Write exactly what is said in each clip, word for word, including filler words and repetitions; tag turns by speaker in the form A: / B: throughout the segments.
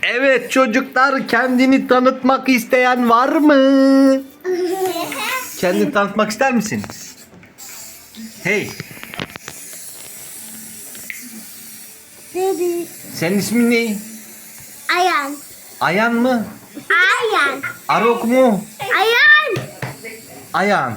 A: Evet çocuklar, kendini tanıtmak isteyen var mı? Kendini tanıtmak ister misin? Hey.
B: Dedi.
A: Senin ismin ne?
B: Ayan.
A: Ayan mı?
B: Ayan.
A: Arok mu?
B: Ayan.
A: Ayan.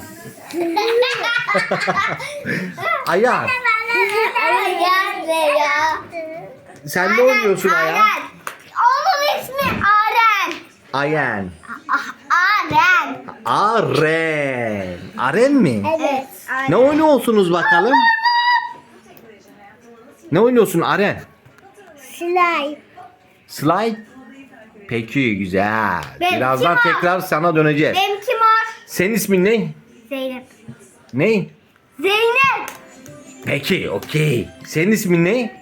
A: Ayan.
B: Ayan ne ya?
A: Sen ne oynuyorsun Ayan?
B: Onun ismi Aren.
A: Ayan.
B: Aren.
A: Aren. Aren mi?
B: Evet.
A: Ne oynuyorsunuz bakalım? Ne oynuyorsun Aren?
B: Slime.
A: Slide. Peki güzel.
B: Benimki
A: Birazdan
B: var.
A: tekrar sana döneceğiz.
B: Benimki var.
A: Senin ismin ne?
B: Zeynep.
A: Ne?
B: Zeynep.
A: Peki okey. Senin ismin ne?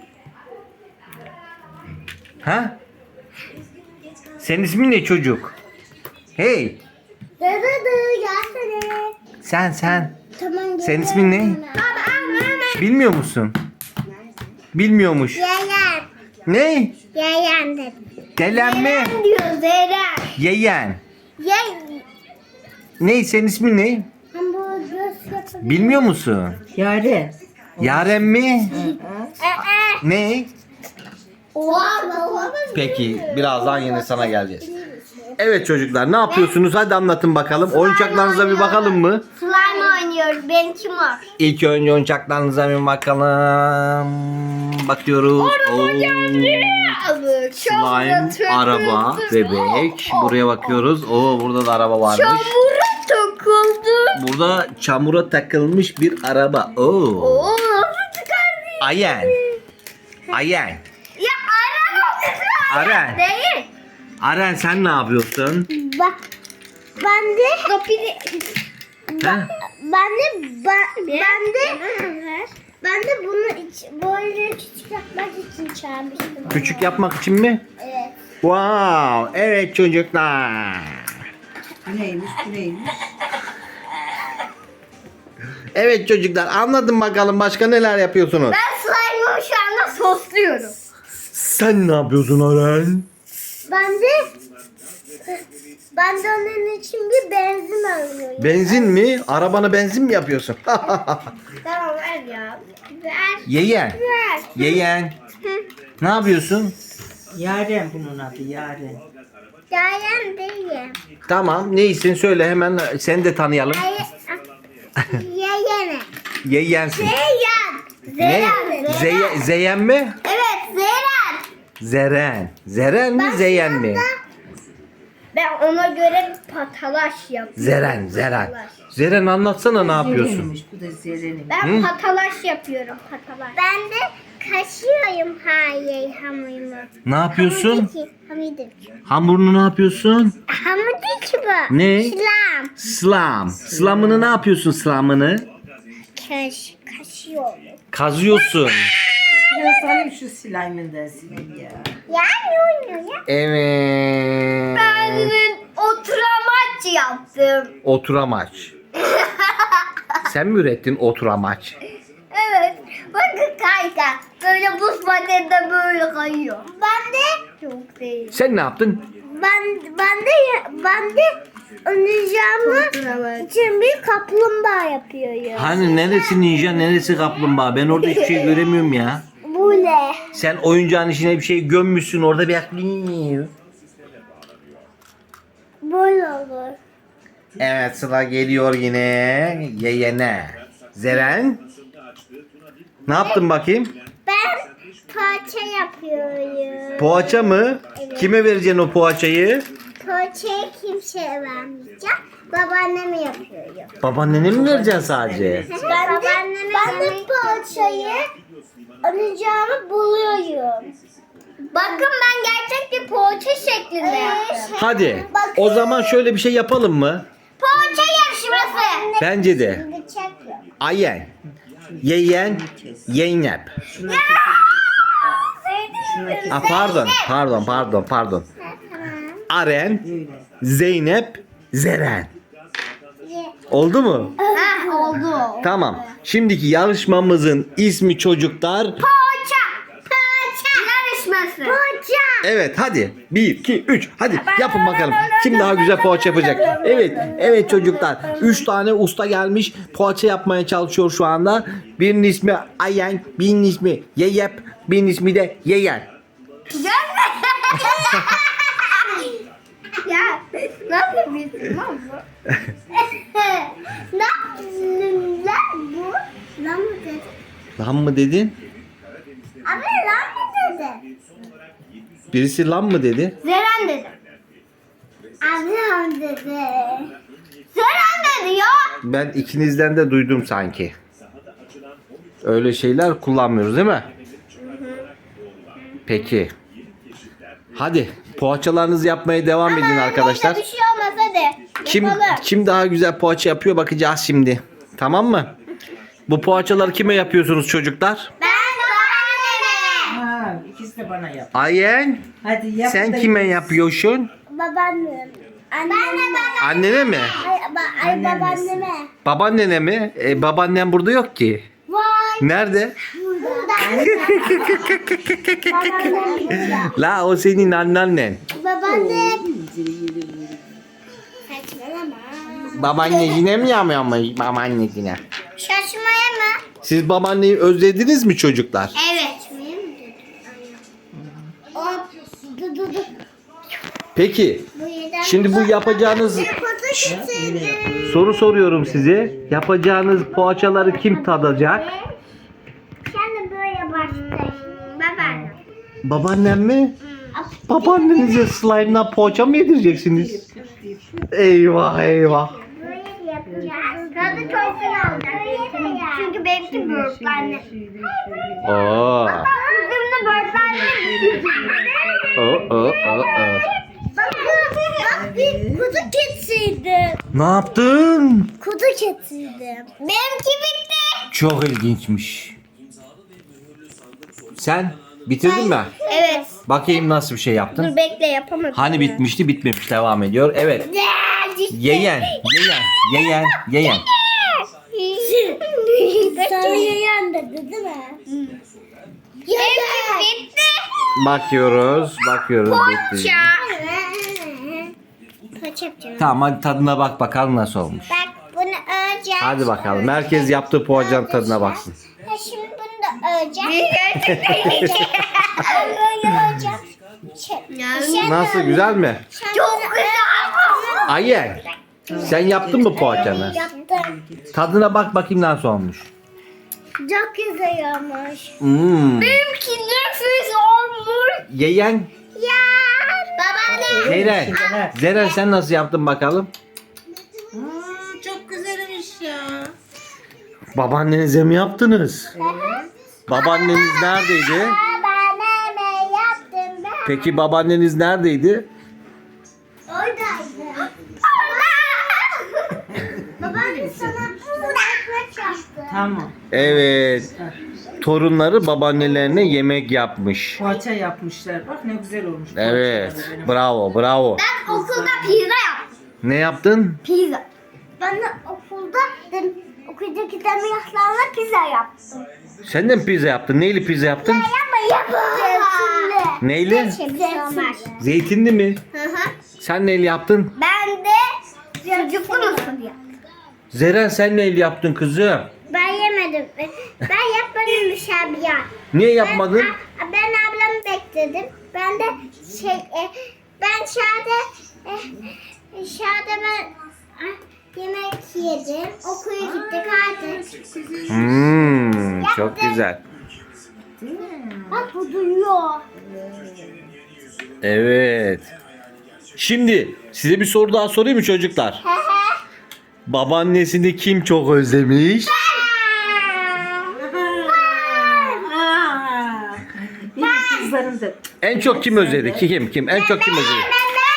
A: Ha? Senin ismin ne çocuk? Hey.
B: Dede dede gelsene.
A: Sen sen.
B: Tamam.
A: Senin ismin ne?
B: Baba.
A: Bilmiyor musun? Bilmiyormuş.
B: Yayan.
A: Ne?
B: Yayan dedim.
A: Delen mi?
B: diyor Zeren.
A: Yeyen.
B: Yayan.
A: Ne? Senin ismin ne?
B: Hamburger göz yapabilir.
A: Bilmiyor musun?
C: Yaren.
A: Yaren mi?
B: Ee,
A: Ne?
B: Oha baba.
A: Peki birazdan yine sana geleceğiz. Evet çocuklar, ne yapıyorsunuz? Hadi anlatın bakalım. Oyuncaklarınıza bir bakalım mı?
B: Slime oynuyoruz. Benimki var.
A: İlk önce oyuncaklarınıza bir bakalım. Bakıyoruz. Oo. Slime, araba, bebek. Buraya bakıyoruz. Oo, burada da araba varmış.
B: Çamura takıldı.
A: Burada çamura takılmış bir araba. Oo.
B: Oo nasıl çıkardı?
A: Ayen. Ayen.
B: Ya araba
A: Aren.
B: değil.
A: Aren sen ne yapıyorsun?
B: Bak ben de kapıyı
A: Ha?
B: ben de ben, ben de ben de bunu iç, böyle küçük yapmak için çağırmıştım.
A: Küçük yapmak için mi?
B: Evet.
A: Wow. Evet çocuklar.
C: Bu neymiş bu neymiş?
A: Evet çocuklar, anladın bakalım başka neler yapıyorsunuz?
B: Ben slime'ımı şu anda sosluyorum.
A: Sen ne yapıyorsun Aren?
B: Ben de ben de onun için bir benzin alıyorum.
A: Benzin mi? Arabana benzin mi yapıyorsun?
B: Tamam ver ya. Ver.
A: Yeyen.
B: Ver.
A: Yeyen. Ne yapıyorsun?
C: Yaren bunun adı Yaren.
B: Yayan değil.
A: Tamam, neysin söyle hemen seni de tanıyalım.
B: Yayene.
A: Yeyensin.
B: Zeyyan.
A: Ne?
B: Zeren.
A: Zeye, Zeyen mi?
B: Evet Zeren.
A: Zeren. Zeren mi? Zeyen mi?
B: Ben ona göre bir patalaş yapıyorum.
A: Zeren, Zeren. Zeren anlatsana ne yapıyorsun?
C: Zeren'miş, bu da Zeren'im.
B: Ben patalaş yapıyorum patalaş. Ben de kaşıyorum hayır hamurumu.
A: Ne yapıyorsun?
B: Hamudiki. Hamudiki.
A: Hamurunu ne yapıyorsun?
B: Hamudiki bu.
A: Ne?
B: Şlam.
A: Slam. Slamını ne yapıyorsun slamını?
B: Kaş, kaşıyorum.
A: Kazıyorsun.
C: Biraz alayım şu slime'ından sileyim ya.
B: Yani oynuyor ya.
A: Evet.
B: Ben oturamaç yaptım.
A: Oturamaç. Sen mi ürettin oturamaç?
B: Evet. Bakın kayka. Böyle buz pateninde böyle kayıyor. Ben de çok değil.
A: Sen ne yaptın?
B: Ben ben de ben de oynayacağımı için bir kaplumbağa yapıyorum.
A: Hani neresi ninja, neresi kaplumbağa? Ben orada hiçbir şey göremiyorum ya.
B: Bu ne?
A: Sen oyuncağın içine bir şey gömmüşsün, orada bir aklın.
B: Böyle olur.
A: Evet, sıra geliyor yine yeyene. Zeren. Ne yaptın bakayım?
B: Ben poğaça yapıyorum.
A: Poğaça mı? Kime vereceksin o poğaçayı?
B: Poğaçayı kimseye vermeyeceğim. Babaanneme yapıyorum.
A: Babaannene mi vereceksin sadece?
B: Ben de, ben de poğaçayı oynayacağımı buluyorum. Bakın ben gerçek bir poğaça şeklinde yaptım.
A: Hadi. O zaman şöyle bir şey yapalım mı?
B: Poğaça yarışması.
A: Bence de. Ayen. Yeyen. Yeynep.
C: Şuna kesin. Şuna kesin.
A: Aa, pardon. Pardon, pardon, pardon. Aren.
C: Böyle.
A: Zeynep. Zeren. Oldu mu?
B: Ha oldu.
A: Tamam. Şimdiki yarışmamızın ismi çocuklar
B: Poğaça. Poğaça. Yarışması. Poğaça.
A: Evet hadi. bir, iki, üç. Hadi yapın bakalım. Kim daha güzel poğaça yapacak? Evet. Evet çocuklar. üç tane usta gelmiş. Poğaça yapmaya çalışıyor şu anda. Birinin ismi Ayen. Birinin ismi Yeyep. Birinin ismi de Yeyen.
B: Ya ne yapıyorsun lan bu? Ne yapıyorsun lan bu? Lan mı dedin?
A: Lan mı dedin?
B: Abi lan mı dedin?
A: Birisi lan mı dedi?
B: Zeren dedi. Abi lan dedi. Zeren dedi ya.
A: Ben ikinizden de duydum sanki. Öyle şeyler kullanmıyoruz değil mi? Peki. Hadi poğaçalarınızı yapmaya devam edin arkadaşlar.
B: Bir şey olmaz hadi.
A: Kim
B: Yapalım.
A: kim daha güzel poğaça yapıyor bakacağız şimdi. Tamam mı? Bu poğaçaları kime yapıyorsunuz çocuklar?
B: Ben babaanneme.
C: Ha, ikisi de bana yap.
A: Ayen,
C: Hadi yap.
A: sen
C: da
A: kime
C: yiyin.
A: yapıyorsun?
B: Babaannem. Ben de baba.
A: Annene mi?
B: Ay, ba- ay
C: Anneannesi.
B: babaanneme.
A: Babaannene mi? E, babaannem burada yok ki.
B: Vay.
A: Nerede?
B: Burada. Babaannem burada.
A: La o senin anneannen.
B: Babaannem. Saçmalama.
A: Babaannecine mi yapıyormuş babaannecine?
B: Şaşmaya mı?
A: Siz babaanneyi özlediniz mi çocuklar?
B: Evet. O du du du.
A: Peki
B: Bu yeden-
A: şimdi bu yapacağınız
B: Kutu getirdim.
A: soru soruyorum size. Yapacağınız poğaçaları kim tadacak?
B: Sen de böyle başla. Babaannem.
A: Babaannem mi? Babaannenize slime'dan poğaça mı yedireceksiniz? Eyvah eyvah.
B: Böyle yapacağız. Tadı çok güzel olacak. Çünkü benimki böğürtlenli.
A: Oo.
B: Kızımda böğürtlenli.
A: Oo, oo, oo, oo.
B: Bak bak bir kutu getirdim.
A: Ne yaptın?
B: Kutu getirdim. Benimki bitti.
A: Çok ilginçmiş. Sen bitirdin mi?
B: Evet.
A: Bakayım nasıl bir şey yaptın.
B: Dur bekle yapamadım.
A: Hani bitmişti bitmemiş devam ediyor. Evet. Yeyen, yeyen, yeyen, yeyen.
B: Sana yayan dedi değil mi? Yayan. Bitti.
A: Bakıyoruz, bakıyoruz. bitti.
B: Poğaça yapacağım.
A: Tamam hadi tadına bak bakalım nasıl olmuş.
B: Bak bunu öreceğim.
A: Hadi bakalım. Herkes yaptığı poğaçanın tadına baksın.
B: Ha, şimdi bunu da öreceğim. Böyle öreceğim. Şey,
A: Nasıl, güzel mi?
B: Çok güzel.
A: Ayen, sen yaptın mı poğaçanı?
B: Yaptım.
A: Tadına bak bakayım nasıl olmuş.
B: Çok güzel olmuş.
A: Hmm.
B: Benimki nefis olmuş.
A: Yeyen,
B: Ya. Babaanne.
A: Zeren. Zeren sen nasıl yaptın bakalım?
C: Aa, çok güzelmiş ya.
A: Babaannenize mi yaptınız? Babaanneniz neredeydi?
B: Babaanneme yaptım ben.
A: Peki babaanneniz neredeydi?
B: Oradaydı. Babaanne sana burada ekmek yaptı.
C: Tamam.
A: Evet. Torunları babaannelerine yemek yapmış.
C: Poğaça yapmışlar. Bak ne güzel olmuş.
A: Evet.
C: poğaçaları benim.
A: Bravo, bravo.
B: Ben okulda pizza yaptım.
A: Ne yaptın?
B: Pizza. Ben de okulda dem, okuldaki demiryaşlarla pizza yaptım.
A: Sen de mi pizza yaptın? Neyli pizza yaptın?
B: Ama yaptım.
A: Neyle?
B: Zeytinli.
A: Zeytinli mi?
B: Hı hı.
A: Sen neyle yaptın?
B: Ben de sucuklu mısır yaptım.
A: Zeren sen neyle yaptın kızım?
B: Ben yemedim. Ben yapmadım müşabihat.
A: Niye yapmadın?
B: Ben, ben ablamı bekledim. Ben de şey e, ben şahane e, şahane ben ah, yemek yedim. Okula gittik artık.
A: Hmm, çok güzel.
B: Bak bu duyuyor.
A: Evet. Şimdi size bir soru daha sorayım mı çocuklar?
B: He he.
A: Babaannesini kim çok özlemiş?
C: Aa, benim kızlarım da.
A: En çok kim özledi? Kim kim? En çok kim özledi?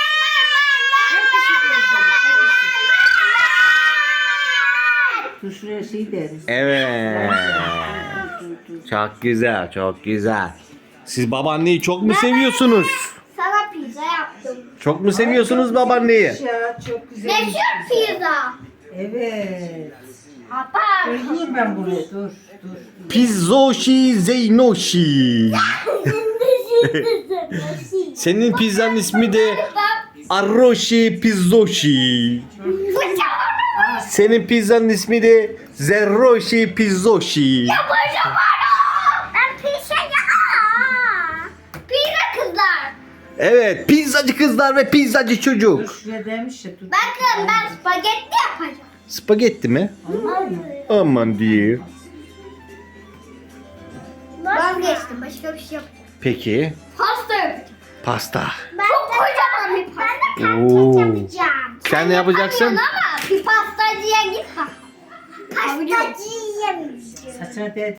C: Dur şuraya şey deriz.
A: Evet. Çok güzel, çok güzel. Siz babaanneyi çok mu seviyorsunuz?
B: Sana pizza yaptım.
A: Çok mu seviyorsunuz babaanneyi?
C: Ya çok güzel.
B: Meşhur pizza.
C: Evet.
B: Papa.
C: Yiyeyim ben bunu. Dur, dur. dur.
A: Pizzoşi Zeynoşi. Senin pizzanın ismi de Arroşi Pizzoşi. Senin pizzanın ismi de Zerroşi Pizzoşi.
B: Ben pizza ya. Pizza kızlar.
A: Evet, pizzacı kızlar ve pizzacı
C: Dur
A: çocuk.
C: şuraya demiş ya. Dur.
B: Bakın ben spagetti yapacağım.
A: Spagetti mi? Aman diye.
B: Vazgeçtim. Başka bir şey yapacağım.
A: Peki,
B: Pasta yapacağım.
A: pasta.
B: Ben Çok kocaman bir pasta. Ben de
A: Oo.
B: pancake yapacağım.
A: Sen ne yapacaksın?
B: Ama bir pastacıya git bak. Pastacıya yemeyeceğim.
C: Saçına değdi.